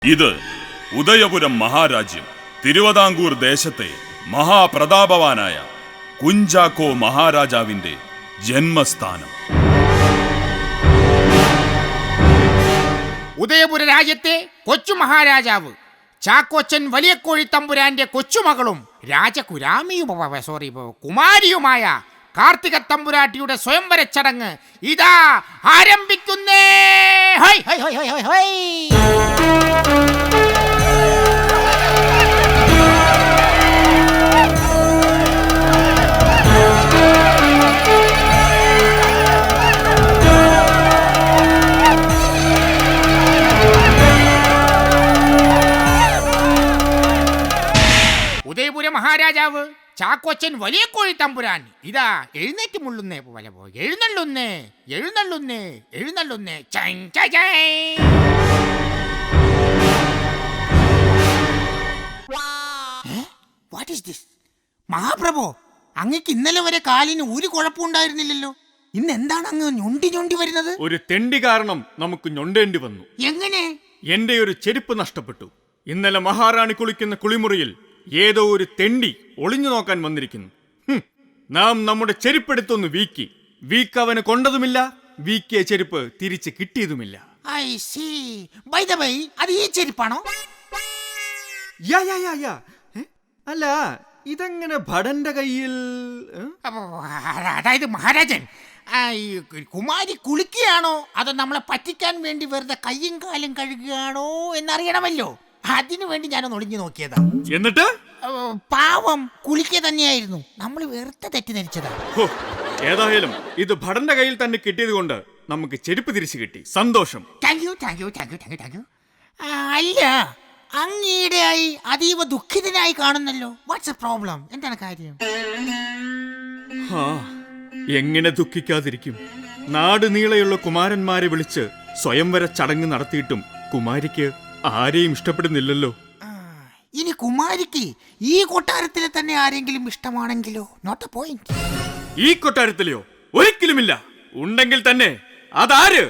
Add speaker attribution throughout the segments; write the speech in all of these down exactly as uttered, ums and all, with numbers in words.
Speaker 1: ഇത് ഉദയപുരം മഹാരാജ്യം തിരുവിതാംകൂർ ദേശത്തെ മഹാപ്രതാപവാനായ കുഞ്ചാക്കോ മഹാരാജാവിന്റെ ജന്മസ്ഥാനം.
Speaker 2: ഉദയപുര രാജ്യത്തെ കൊച്ചു മഹാരാജാവ് ചാക്കോച്ചൻ വലിയ കോഴി തമ്പുരാന്റെ കൊച്ചുമകളും രാജകുരാമിയും സോറി കുമാരിയുമായ കാർത്തിക തമ്പുരാട്ടിയുടെ സ്വയംവര ചടങ്ങ് ഇതാ ആരംഭിക്കുന്നേ. ഹൈ ഹൈ ഹൈ ഹൈ ഹൈ ഹൈ. ഉദയപുര മഹാരാജാവ് ചാക്കോച്ചൻ വലിയ കോഴി തമ്പുരാൻ ഇതാ എഴുന്നേറ്റ് മുള്ളുന്നേ പോലെ പോ എഴുന്നള്ളുന്നേ എഴുന്നള്ളുന്നേ എഴുന്നള്ളുന്നേ. What is this? മഹാപ്രഭു, അങ്ങക്ക് ഇന്നലെ വരെ കാലിന് ഒരു കുഴപ്പമുണ്ടായിരുന്നില്ലല്ലോ, ഇന്ന് എന്താണ് അങ്ങ് ഞൊണ്ടി ഞൊണ്ടി വരുന്നത്?
Speaker 3: ഒരു തെണ്ടി കാരണം നമുക്ക് ഞൊണ്ടേണ്ടി വന്നു.
Speaker 2: എങ്ങനെ?
Speaker 3: എന്റെ ഒരു ചെരുപ്പ് നഷ്ടപ്പെട്ടു. ഇന്നലെ മഹാറാണി കുളിക്കുന്ന കുളിമുറിയിൽ ഏതോ ഒരു തെണ്ടി ഒളിഞ്ഞു നോക്കാൻ വന്നിരിക്കുന്നു. നാം നമ്മുടെ ചെരുപ്പെടുത്തൊന്ന് വീക്കി. വീക്ക് അവന് കൊണ്ടതുമില്ല, വീക്കിയ ചെരുപ്പ് തിരിച്ച് കിട്ടിയതുമില്ല.
Speaker 2: I see. By the by, അത് ഈ ചെരുപ്പാണോ?
Speaker 3: യാ യാ യാ യാ. അല്ല, ഇതെങ്ങനെ ഭടന്റെ കയ്യിൽ?
Speaker 2: അതായത് മഹാരാജൻ, കുമാരി കുളിക്കുകയാണോ അതോ നമ്മളെ പറ്റിക്കാൻ വേണ്ടി വെറുതെ കയ്യും കാലും കഴുകുകയാണോ എന്നറിയണമല്ലോ, അതിനു വേണ്ടി ഞാനൊന്ന് ഒളിഞ്ഞു നോക്കിയതാ.
Speaker 3: എന്നിട്ട്
Speaker 2: പാവം കുളിക്കുക തന്നെയായിരുന്നു, നമ്മൾ വെറുതെ തെറ്റിദ്ധരിച്ചതാ.
Speaker 3: ഏതായാലും ഇത് ഭടന്റെ കയ്യിൽ തന്നെ കിട്ടിയത് കൊണ്ട് നമുക്ക് ചെരുപ്പ് തിരിച്ചു കിട്ടി. സന്തോഷം.
Speaker 2: Thank you thank you thank you thank you thank you. അല്ല, അങ്ങീടെയായി അതീവ ദുഃഖിതനായി കാണുന്നല്ലോ. What's a problem? എന്താണ് കാര്യം?
Speaker 3: എങ്ങനെ ദുഃഖിക്കാതിരിക്കും? നാട് നീളെയുള്ള കുമാരന്മാരെ വിളിച്ച് സ്വയംവര ചടങ്ങ് നടത്തിയിട്ടും കുമാരിക്ക് ആരെയും ഇഷ്ടപ്പെടുന്നില്ലല്ലോ.
Speaker 2: ഇനി കുമാരിക്ക് ഈ കൊട്ടാരത്തിലെ തന്നെ ആരെങ്കിലും ഇഷ്ടമാണെങ്കിലോ? Not A point.
Speaker 3: ഈ കൊട്ടാരത്തിലെയോ? ഒരിക്കലുമില്ല. ഉണ്ടെങ്കിൽ തന്നെ അതാര്?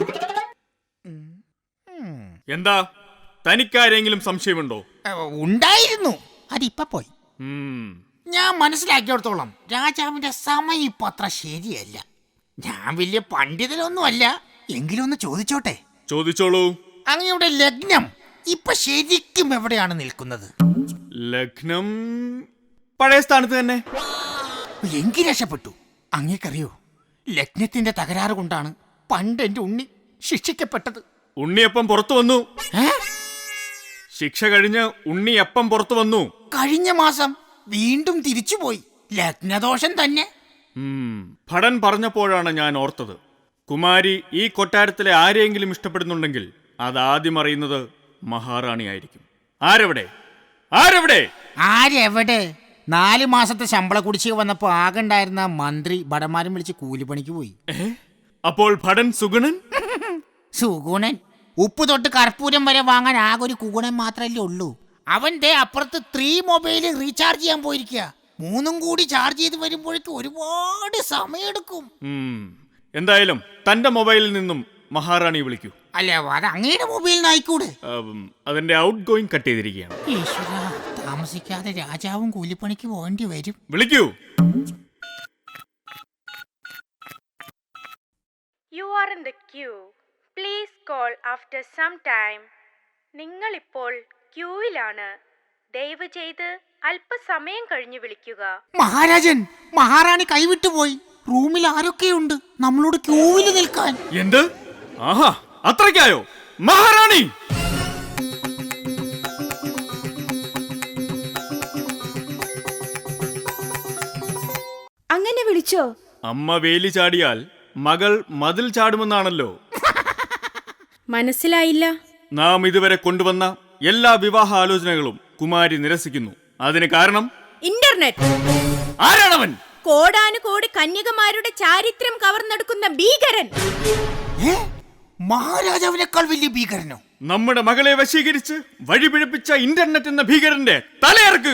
Speaker 3: എന്താ, തനിക്കാരെങ്കിലും സംശയമുണ്ടോ?
Speaker 2: ഉണ്ടായിരുന്നു, അതിപ്പോ പോയി. ഞാൻ മനസ്സിലാക്കിയോടത്തോളം രാജാവിന്റെ സമയം ഇപ്പൊ അത്ര ശരിയല്ല. ഞാൻ വലിയ പണ്ഡിതനൊന്നുമല്ല, എങ്കിലും ഒന്ന് ചോദിച്ചോട്ടെ?
Speaker 3: ചോദിച്ചോളൂ.
Speaker 2: അങ്ങയുടെ ലഗ്നം ഇപ്പൊ ശരിക്കും എവിടെയാണ് നിൽക്കുന്നത്?
Speaker 3: ലഗ്നം പഴയ സ്ഥാനത്ത് തന്നെ.
Speaker 2: എങ്കിൽ രക്ഷപ്പെട്ടു. അങ്ങേക്കറിയോ, ലഗ്നത്തിന്റെ തകരാറ് കൊണ്ടാണ് പണ്ട് എന്റെ ഉണ്ണി ശിക്ഷിക്കപ്പെട്ടത്.
Speaker 3: ഉണ്ണിയപ്പം പുറത്തു വന്നു. ശിക്ഷ കഴിഞ്ഞ് ഉണ്ണിയപ്പം പുറത്തു വന്നു.
Speaker 2: കഴിഞ്ഞ മാസം വീണ്ടും തിരിച്ചുപോയി. ലഗ്നദോഷം തന്നെ.
Speaker 3: ഭടൻ പറഞ്ഞപ്പോഴാണ് ഞാൻ ഓർത്തത്. കുമാരി ഈ കൊട്ടാരത്തിലെ ആരെയെങ്കിലും ഇഷ്ടപ്പെടുന്നുണ്ടെങ്കിൽ അതാദ്യം അറിയുന്നത് മഹാറാണി ആയിരിക്കും. ആരെവിടെ? ആരെവിടെ?
Speaker 2: ആരെവിടെ? നാല് മാസത്തെ ശമ്പള കുടിശ്ശിക വന്നപ്പോ ആകണ്ടായിരുന്ന മന്ത്രി ഭടന്മാരും വിളിച്ച് കൂലിപ്പണിക്ക് പോയി.
Speaker 3: അപ്പോൾ ഭടൻ സുഗുണൻ?
Speaker 2: സുഗുണൻ ഉപ്പ് തൊട്ട് കർപ്പൂരം വരെ വാങ്ങാൻ ആകെ ഒരു കുഗുണൻ മാത്രല്ലേ ഉള്ളൂ. അവന്റെ അപ്പുറത്ത് ത്രീ മൊബൈൽ റീചാർജ് ചെയ്യാൻ പോയിരിക്കുക. മൂന്നും കൂടി ചാർജ് ചെയ്ത് വരുമ്പോഴേക്കും ഒരുപാട് സമയമെടുക്കും.
Speaker 3: എന്തായാലും തന്റെ മൊബൈലിൽ നിന്നും മഹാറാണി വിളിക്കൂ.
Speaker 2: അല്ല, അത് അങ്ങയുടെ മൊബൈലിൽ ആയിക്കൂടെ?
Speaker 3: അതിന്റെ ഔട്ട് ഗോയിങ് കട്ട് ചെയ്തിരിക്കുകയാണ്.
Speaker 2: ഈശ്വര, താമസിക്കാതെ രാജാവും കൂലിപ്പണിക്ക് പോകേണ്ടി വരും.
Speaker 3: വിളിക്കൂ.
Speaker 4: You are in the queue. Please call after some time. നിങ്ങൾ ഇപ്പോൾ ക്യൂവിലാണ്. ദയവ് ചെയ്ത് അല്പസമയം കഴിഞ്ഞ് വിളിക്കുക.
Speaker 2: മഹാരാജൻ, മഹാറാണി കൈവിട്ടുപോയി. റൂമിൽ ആരൊക്കെയുണ്ട് നമ്മളോട് ക്യൂവിൽ നിൽക്കാൻ?
Speaker 3: എന്ത്? ആഹാ, അത്രയ്ക്കായോ? മഹാറാണി!
Speaker 4: അങ്ങനെ വിളിച്ചോ?
Speaker 3: അമ്മ വേലി ചാടിയാൽ മകൾ മതിൽ ചാടുമെന്നാണല്ലോ.
Speaker 4: മനസ്സിലായില്ല.
Speaker 3: നാം ഇതുവരെ കൊണ്ടുവന്ന എല്ലാ വിവാഹ ആലോചനകളും കുമാരി നിരസിക്കുന്നു. അതിന് കാരണം
Speaker 4: ഇന്റർനെറ്റ്.
Speaker 3: ആരാണവൻ?
Speaker 4: കോടാനുകോടി കന്യകമാരുടെ ചാരിത്രം കവർന്നെടുക്കുന്ന ഭീകരൻ.
Speaker 2: മഹാരാജാവിനേക്കാൾ വലിയ ഭീകരനോ?
Speaker 3: നമ്മുടെ മകളെ വശീകരിച്ച് വഴിപിഴപ്പിച്ച ഇന്റർനെറ്റ് എന്ന ഭീകരന്റെ തലയിറക്കുക.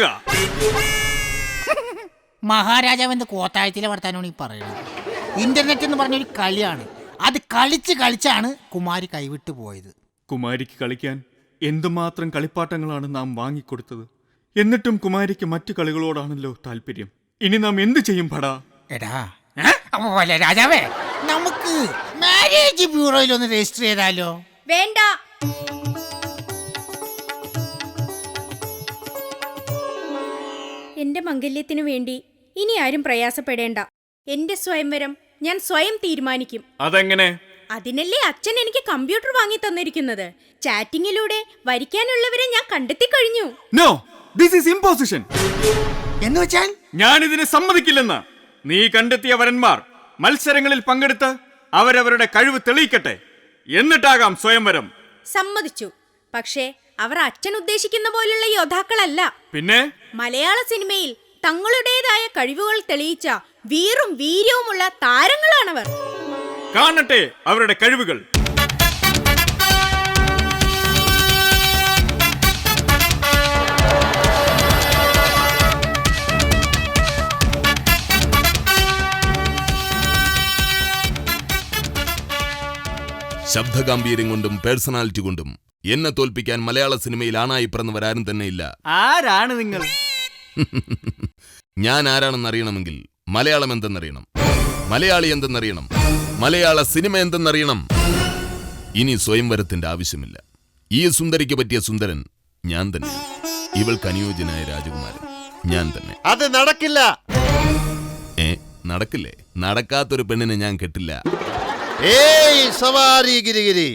Speaker 2: മഹാരാജാവിന്റെ കോത്തായത്തിലെ വർത്താനമാണ് ഈ പറയുന്നത്. ഇന്റർനെറ്റ് എന്ന് പറഞ്ഞൊരു കളിയാണ്. അത് കളിച്ച് കളിച്ചാണ് കുമാരി കൈവിട്ടു പോയത്.
Speaker 3: കുമാരിക്ക് കളിക്കാൻ എന്തുമാത്രം കളിപ്പാട്ടങ്ങളാണ് നാം വാങ്ങിക്കൊടുത്തത്. എന്നിട്ടും കുമാരിക്ക് മറ്റു കളികളോടാണല്ലോ താല്പര്യം. ഇനി നാം എന്തു ചെയ്യും പടാ?
Speaker 2: എടാ അപ്പൊ പോലെ രാജാവേ, നമുക്ക് മാരേജ് ബ്യൂറോയിൽ ഒന്ന് രജിസ്റ്റർ ചെയ്താലോ?
Speaker 4: വേണ്ട. എന്റെ മംഗല്യത്തിനു വേണ്ടി ഇനി ആരും പ്രയാസപ്പെടേണ്ട. എന്റെ സ്വയംവരം ഞാൻ സ്വയം തീരുമാനിക്കും.
Speaker 3: അതെങ്ങനെ?
Speaker 4: അതിനല്ലേ അച്ഛൻ എനിക്ക് കമ്പ്യൂട്ടർ വാങ്ങി തന്നിരിക്കുന്നത്. ചാറ്റിങ്ങിലൂടെ വരിക്കാനുള്ളവരെ ഞാൻ കണ്ടെത്തി കഴിഞ്ഞു.
Speaker 3: No, this is imposition.
Speaker 2: എന്ന് വെച്ചാൽ
Speaker 3: ഞാനിതിന് സമ്മതിക്കില്ലെന്ന്. നീ കണ്ടെത്തിയ വരന്മാർ മത്സരങ്ങളിൽ പങ്കെടുത്ത് അവരവരുടെ കഴിവ് തെളിയിക്കട്ടെ. എന്നിട്ടാകാം സ്വയംവരം.
Speaker 4: സമ്മതിച്ചു. പക്ഷേ അവർ അച്ഛൻ ഉദ്ദേശിക്കുന്ന പോലുള്ള യോദ്ധാക്കളല്ല.
Speaker 3: പിന്നെ
Speaker 4: മലയാള സിനിമയിൽ തങ്ങളുടേതായ കഴിവുകൾ തെളിയിച്ച വീറും വീര്യവുമുള്ള താരങ്ങളാണവർ.
Speaker 3: കാണട്ടെ അവരുടെ കഴിവുകൾ.
Speaker 5: ശബ്ദഗാംഭീര്യം കൊണ്ടും പേഴ്സണാലിറ്റി കൊണ്ടും എന്നെ തോൽപ്പിക്കാൻ മലയാള സിനിമയിൽ ആണായി പിറന്നവരാരും തന്നെ ഇല്ല.
Speaker 3: ആരാണ് നിങ്ങൾ?
Speaker 5: ഞാൻ ആരാണെന്ന് അറിയണമെങ്കിൽ മലയാളം എന്തെന്നറിയണം, മലയാളി എന്തെന്നറിയണം, മലയാള സിനിമ എന്തെന്നറിയണം. ഇനി സ്വയംവരത്തിന്റെ ആവശ്യമില്ല. ഈ സുന്ദരിക്ക് പറ്റിയ സുന്ദരൻ ഞാൻ തന്നെ. ഇവൾക്ക് അനുയോജ്യനായ രാജകുമാരൻ ഞാൻ തന്നെ.
Speaker 6: അത് നടക്കില്ല.
Speaker 5: ഏ നടക്കില്ലേ? നടക്കാത്തൊരു പെണ്ണിനെ ഞാൻ കെട്ടില്ല.
Speaker 6: ഏയ് സവാരി ഗിരിഗിരി,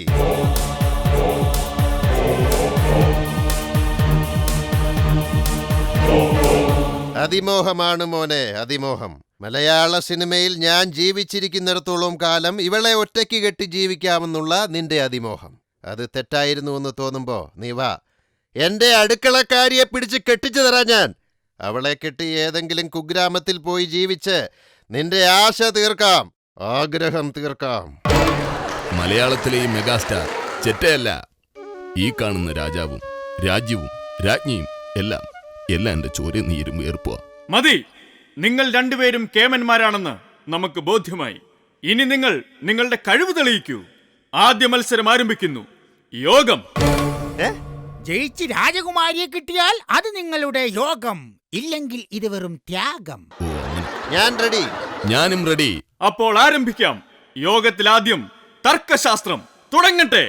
Speaker 6: അതിമോഹമാണ് മോനെ, അതിമോഹം. മലയാള സിനിമയിൽ ഞാൻ ജീവിച്ചിരിക്കുന്നിടത്തോളം കാലം ഇവളെ ഒറ്റയ്ക്ക് കെട്ടി ജീവിക്കാമെന്നുള്ള നിന്റെ അതിമോഹം അത് തെറ്റായിരുന്നു എന്ന് തോന്നുമ്പോ നീ വാ, എന്റെ അടുക്കളക്കാരിയെ പിടിച്ച് കെട്ടിച്ചു തരാം ഞാൻ. അവളെ കെട്ടി ഏതെങ്കിലും കുഗ്രാമത്തിൽ പോയി ജീവിച്ച് നിന്റെ ആശ തീർക്കാം, ആഗ്രഹം തീർക്കാം.
Speaker 5: മലയാളത്തിലെ ഈ മെഗാസ്റ്റാർ ചെറ്റയല്ല. ഈ കാണുന്ന രാജാവും രാജ്യവും രാജ്ഞിയും എല്ലാം എല്ലാം എന്റെ ചോര നീരും വേർപ്പുക.
Speaker 3: മതി, നിങ്ങൾ രണ്ടുപേരും കേമന്മാരാണെന്ന് നമുക്ക് ബോധ്യമായി. ഇനി നിങ്ങൾ നിങ്ങളുടെ കഴിവ് തെളിയിക്കൂ. ആദ്യ മത്സരം ആരംഭിക്കുന്നു. യോഗം.
Speaker 2: ജയിച്ച് രാജകുമാരിയെ കിട്ടിയാൽ അത് നിങ്ങളുടെ യോഗം, ഇല്ലെങ്കിൽ ഇത് വെറും ത്യാഗം.
Speaker 5: ഓ അങ്ങനെ.
Speaker 6: ഞാൻ റെഡി.
Speaker 5: ഞാനും റെഡി.
Speaker 3: അപ്പോൾ ആരംഭിക്കാം. യോഗത്തിൽ ആദ്യം തർക്കശാസ്ത്രം തുടങ്ങട്ടെ.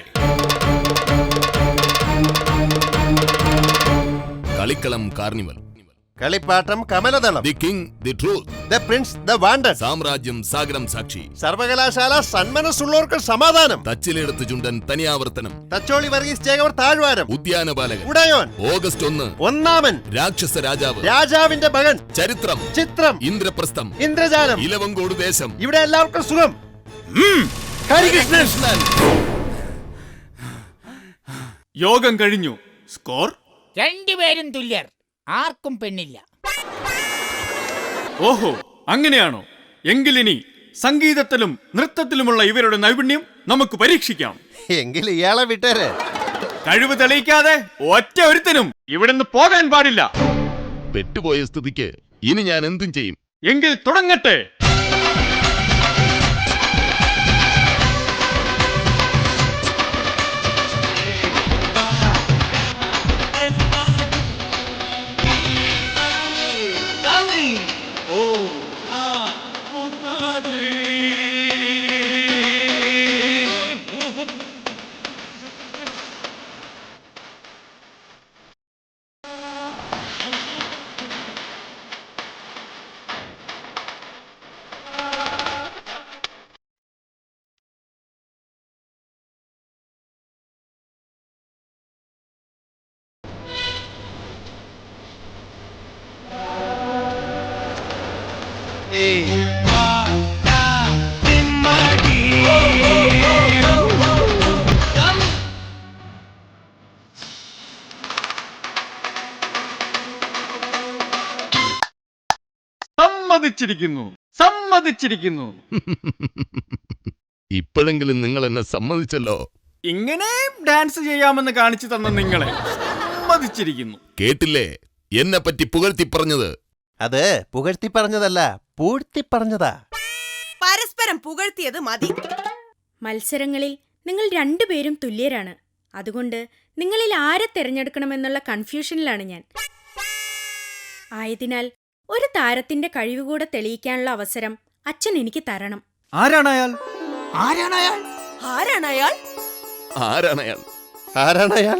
Speaker 5: Kalikkalam carnival.
Speaker 6: Kalippattam Kamaladalam.
Speaker 5: The king, the truth.
Speaker 6: The prince, the wanted.
Speaker 5: Samrajyam Sagaram Sakshi.
Speaker 6: Sarvakalashala സന്മനസ്സുള്ളവർക്ക് സമാധാനം.
Speaker 5: തച്ചിലെടുത്ത് ചുണ്ടൻ തനിയാവർത്തനം.
Speaker 6: തച്ചോളി വർഗീസ് ചേകവർ താഴ്വാരം.
Speaker 5: ഉദ്യാനപാലകൻ.
Speaker 6: ഉടയോൻ.
Speaker 5: ഓഗസ്റ്റ് ഒന്ന്.
Speaker 6: ഒന്നാമൻ.
Speaker 5: രാക്ഷസ രാജാവ്.
Speaker 6: രാജാവിന്റെ മകൻ.
Speaker 5: ചരിത്രം.
Speaker 6: ചിത്രം.
Speaker 5: ഇന്ദ്രപ്രസ്ഥം.
Speaker 6: ഇന്ദ്രജാലം.
Speaker 5: ഇലവങ്കോട് ദേശം.
Speaker 6: ഇവിടെ എല്ലാവർക്കും സുഖം. ഹരികൃഷ്ണൻ.
Speaker 3: യോഗം കഴിഞ്ഞു. സ്കോർ
Speaker 2: രണ്ടുപേരും തുല്യർ, ആർക്കും പെണ്ണില്ല.
Speaker 3: ഓഹോ, അങ്ങനെയാണോ? എങ്കിലിനി സംഗീതത്തിലും നൃത്തത്തിലുമുള്ള ഇവരുടെ നൈപുണ്യം നമുക്ക് പരീക്ഷിക്കാം.
Speaker 6: എങ്കിൽ ഇയാളെ വിട്ടേരെ.
Speaker 3: കഴിവ് തെളിയിക്കാതെ ഒറ്റ ഒരുത്തനും ഇവിടുന്ന് പോകാൻ പാടില്ല.
Speaker 5: പെട്ടുപോയ സ്ഥിതിക്ക് ഇനി ഞാൻ എന്തും ചെയ്യും.
Speaker 3: എങ്കിൽ തുടങ്ങട്ടെ. സമ്മതിച്ചിരിക്കുന്നു, സമ്മതിച്ചിരിക്കുന്നു.
Speaker 5: ഇപ്പോഴെങ്കിലും നിങ്ങൾ എന്നെ സമ്മതിച്ചല്ലോ.
Speaker 3: ഇങ്ങനെ ഡാൻസ് ചെയ്യാമെന്ന് കാണിച്ചു തന്ന നിങ്ങളെ സമ്മതിച്ചിരിക്കുന്നു.
Speaker 5: കേട്ടില്ലേ എന്നെ പറ്റി പുകഴ്ത്തി പറഞ്ഞത്?
Speaker 6: അത് പുകഴ്ത്തി പറഞ്ഞതല്ല, പൂഴ്ത്തി പറഞ്ഞതാ.
Speaker 7: പരസ്പരം പുകഴ്ത്തിയത് മതി.
Speaker 4: മത്സരങ്ങളിൽ നിങ്ങൾ രണ്ടുപേരും തുല്യരാണ്.
Speaker 7: അതുകൊണ്ട് നിങ്ങളിൽ ആരെ തിരഞ്ഞെടുക്കണമെന്നുള്ള കൺഫ്യൂഷനിലാണ് ഞാൻ. ആയതിനാൽ ഒരു താരത്തിന്റെ കഴിവ് കൂടെ തെളിയിക്കാനുള്ള അവസരം അച്ഛൻ എനിക്ക് തരണം.
Speaker 3: ആരാണയാൾ?
Speaker 2: ആരാണയാൾ?
Speaker 7: ആരാണയാൾ?
Speaker 5: ആരാണയാൾ?
Speaker 6: ആരാണയാൾ?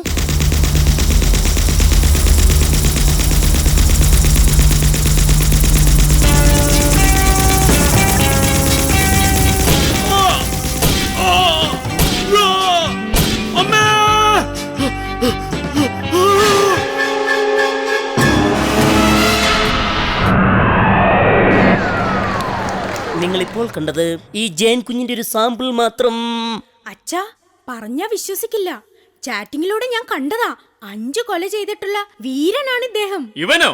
Speaker 8: നിങ്ങളിപ്പോൾ കണ്ടത് ഈ ജയൻ കുഞ്ഞിന്റെ ഒരു സാമ്പിൾ മാത്രം.
Speaker 7: അച്ഛാ, പറഞ്ഞാ വിശ്വസിക്കില്ല. ചാറ്റിങ്ങിലൂടെ ഞാൻ കണ്ടതാ. അഞ്ചു കൊല ചെയ്തിട്ടുള്ള വീരനാണ് ഇദ്ദേഹം.
Speaker 3: ഇവനോ?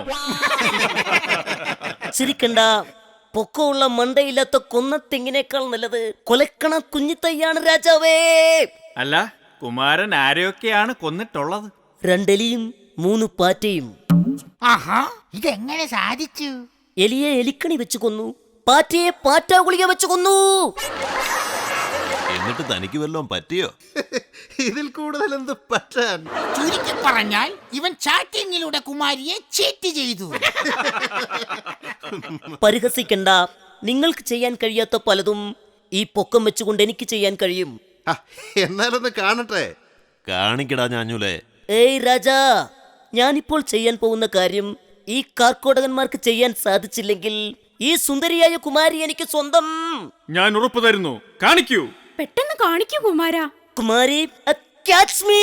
Speaker 8: ചിരിക്കണ്ട. പൊക്കമുള്ള മണ്ടയില്ലാത്ത കൊന്നത്തെങ്ങിനേക്കാൾ നല്ലത് കൊലക്കണ കുഞ്ഞിത്തയ്യാണ് രാജാവേ.
Speaker 3: അല്ല, കുമാരൻ ആരെയൊക്കെയാണ് കൊന്നിട്ടുള്ളത്?
Speaker 8: രണ്ടെലിയും മൂന്ന് പാറ്റയും.
Speaker 2: ആഹാ, ഇതെങ്ങനെ സാധിച്ചു?
Speaker 8: എലിയെ എലിക്കണി വെച്ച് കൊന്നു, പാറ്റയെ പാറ്റാ ഗുളിക വെച്ച് കൊന്നു.
Speaker 9: എന്നിട്ട് തനിക്ക് വല്ലതും പറ്റിയോ?
Speaker 6: ഇതിൽ കൂടുതൽ എന്ത് പറ്റാൻ?
Speaker 2: ചുരുക്കി പറഞ്ഞാൽ ഇവൻ ചാറ്റിങ്ങിലൂടെ കുമാരിയെ ചീറ്റ് ചെയ്തു.
Speaker 8: പരിഹസിക്കണ്ട. നിങ്ങൾക്ക് ചെയ്യാൻ കഴിയാത്ത പലതും ഈ പൊക്കം വെച്ചുകൊണ്ട് എനിക്ക് ചെയ്യാൻ കഴിയും.
Speaker 6: ആ, എന്നാലൊന്ന് കാണട്ടെ.
Speaker 9: കാണിക്കടാ ഞാഞ്ഞൂലേ.
Speaker 8: ഏയ് രാജാ, ഞാനിപ്പോൾ ചെയ്യാൻ പോകുന്ന കാര്യം ഈ കാർക്കോടകന്മാർക്ക് ചെയ്യാൻ സാധിച്ചില്ലെങ്കിൽ ഈ സുന്ദരിയായ കുമാരി എനിക്ക് സ്വന്തം.
Speaker 3: ഞാൻ ഉറപ്പു തരുന്നു. കാണിക്കൂ.
Speaker 7: പെട്ടെന്ന് കാണിക്കൂ കുമാരാ.
Speaker 8: Kumari, catch me.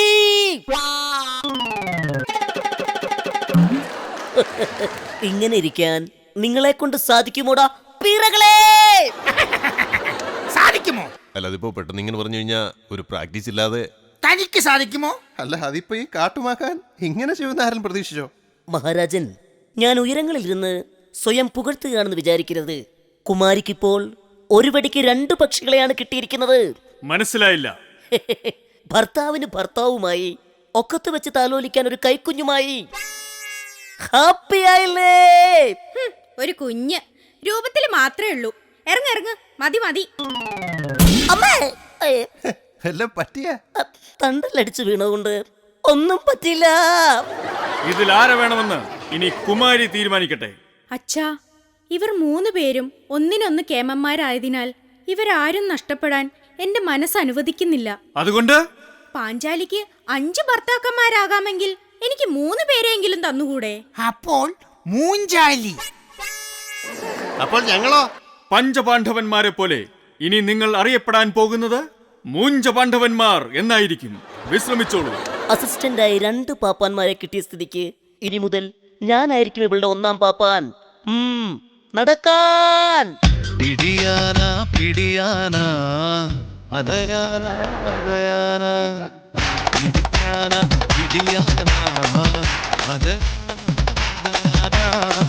Speaker 8: ഇങ്ങനെ ഇരിക്കാൻ നിങ്ങളെ കൊണ്ട് സാധിക്കുമോടാ പീറകളെ?
Speaker 2: സാധിക്കുമോ?
Speaker 9: അല്ല, അതിപ്പോ പെട്ടെന്ന് ഇങ്ങനെ പറഞ്ഞു കഴിഞ്ഞാ ഒരു പ്രാക്ടീസ് ഇല്ലാതെ.
Speaker 2: തനിക്ക് സാധിക്കുമോ?
Speaker 6: അല്ല, അതിപ്പോ ഈ കാട്ടുമാക്കാൻ ഇങ്ങനെ ചെയ്യുന്ന ആരും പ്രതീക്ഷിച്ചോ?
Speaker 8: മഹാരാജൻ, ഞാൻ ഉയരങ്ങളിലിരുന്ന് സ്വയം പുകഴ്ത്തുകയാണെന്ന് വിചാരിക്കരുത്. കുമാരിക്കിപ്പോൾ ഒരു വെടിക്ക് രണ്ട് പക്ഷികളെയാണ് കിട്ടിയിരിക്കുന്നത്.
Speaker 3: മനസ്സിലായില്ല.
Speaker 8: ഭർത്താവിന് ഭർത്താവുമായി, ഒക്കത്ത് വെച്ച് താലോലിക്കാൻ ഒരു കൈക്കുഞ്ഞുമായി. ഹാപ്പി ആയില്ലേ?
Speaker 7: ഹും, ഒരു കുഞ്ഞ് രൂപത്തിൽ മാത്രമേ ഉള്ളൂ. ഇറങ്ങ ഇറങ്ങ്, മതി മതി.
Speaker 8: അമ്മേ, ഏ,
Speaker 6: എല്ലാം പറ്റിയ
Speaker 8: തണ്ടലടിച്ചു വീണതുകൊണ്ട് ഒന്നും പറ്റില്ല.
Speaker 3: ഇതിൽ ആരെ വേണമെന്ന് ഇനി കുമാരി തീരുമാനിക്കട്ടെ.
Speaker 7: അച്ഛാ, ഇവർ മൂന്ന് പേരും ഒന്നിനൊന്ന് കേമന്മാരായതിനാൽ ഇവരാരും നഷ്ടപ്പെടാൻ എന്റെ മനസ്സ് അനുവദിക്കുന്നില്ല.
Speaker 3: അതുകൊണ്ട്
Speaker 7: പാഞ്ചാലിക്ക് അഞ്ച് ഭർത്താക്കന്മാരാകാമെങ്കിൽ എനിക്ക് മൂന്ന് പേരെങ്കിലും തന്നുകൂടെ?
Speaker 2: അപ്പോൾ മൂഞ്ചാലി.
Speaker 6: അപ്പോൾ ഞങ്ങളോ?
Speaker 3: പഞ്ചപാണ്ഡവന്മാരെ പോലെ ഇനി നിങ്ങൾ അറിയപ്പെടാൻ പോകുന്നത് മൂഞ്ചപാണ്ഡവന്മാർ എന്നായിരിക്കും. വിശ്രമിച്ചോളൂ.
Speaker 8: അസിസ്റ്റന്റായി രണ്ട് പാപ്പാന്മാരെ കിട്ടിയ സ്ഥിതിക്ക് ഇനി മുതൽ ഞാനായിരിക്കും ഇവളുടെ ഒന്നാം പാപ്പാൻ. ഉം, നടക്കാൻ.
Speaker 10: പിടിയാന പിടിയാന അതയാന അതയാന പിടിയാന പിടിയാന അത